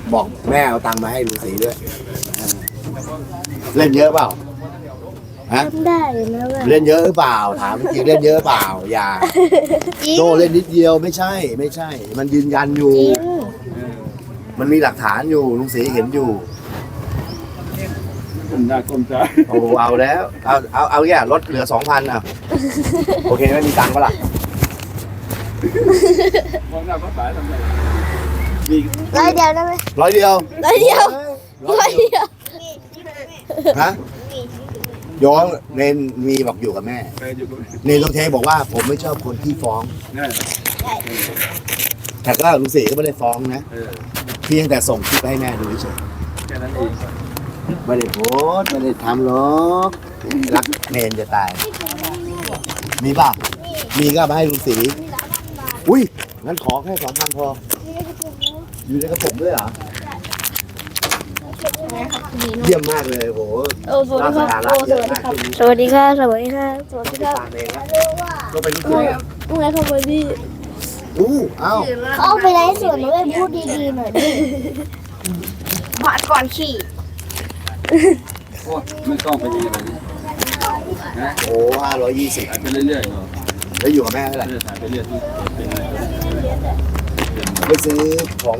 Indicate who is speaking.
Speaker 1: บอกแม่เอาตังค์มาให้ฤาษีด้วยเล่นเยอะเปล่าฮะ
Speaker 2: ทำได้นะว่า
Speaker 1: เล่นเยอะหรือเปล่าถามจริงเล่นเยอะเปล่าอย่าโตเล่นนิดเดียวไม่ใช่ มันยืนยันอยู่
Speaker 2: จริง
Speaker 1: มันมีหลักฐานอยู่ลุงศรีเห็นอยู่
Speaker 3: ก้มหน้าก้มตา
Speaker 1: โอ้เอาแล้วเอาแย่ลดเหลือ 2,000อ่ะโอเคไม่มีตังค์ปะล่ะ
Speaker 3: มองหน้าพระสายทำไมมี
Speaker 2: ร้อยเดียวได้ไหม
Speaker 1: 100 เดียว
Speaker 2: ร้อยเดียวร้อยเดียว
Speaker 1: ฮะย้อนเนนมีบอกอยู่กับแม่
Speaker 3: ใครอยู่กับ
Speaker 1: เนนต้องเทบอกว่าผมไม่ชอบคนที่ฟ้อง
Speaker 3: นี่
Speaker 1: แต่ก็ลุงศรีก็ไม่ได้ฟ้องนะ เพียงแต่ส่งคลิปให้แม่ดูเฉย
Speaker 3: แค่นั้นเอง
Speaker 1: ไม่ได้โพสต์ไม่ได้ทำหรอกรักเนนจะตาย มีป่ะมีก็เอามาให้ลุงศรีอุ้ยงั้นขอแค่2,000พออยู่ในกระผมด้วยเหรอเยี่ยมมากเลยโห
Speaker 2: โอ้สวัสดีครับโอ้สวัสดีครับสวัสดีครับสวัสดีครับสวัสดีครับ
Speaker 1: ตามเองนะก็เป็นลูกเสือ
Speaker 2: เมื่อไงเขาไปพี่
Speaker 1: เอ้า
Speaker 2: เขาเอาไปไลฟ์สดนะเว้ยพูดดีๆหน่อยดิบาดก่อนขี่
Speaker 3: โอ้ไม่ต้องไปดีเลยนะ
Speaker 1: โอ้520
Speaker 3: ถ่ายไปเรื่อยๆเนาะ
Speaker 1: แล้วอยู่กับแม่เท่าไหร่
Speaker 3: ถ่ายไปเรื่อยๆ
Speaker 1: ไปซื้อของ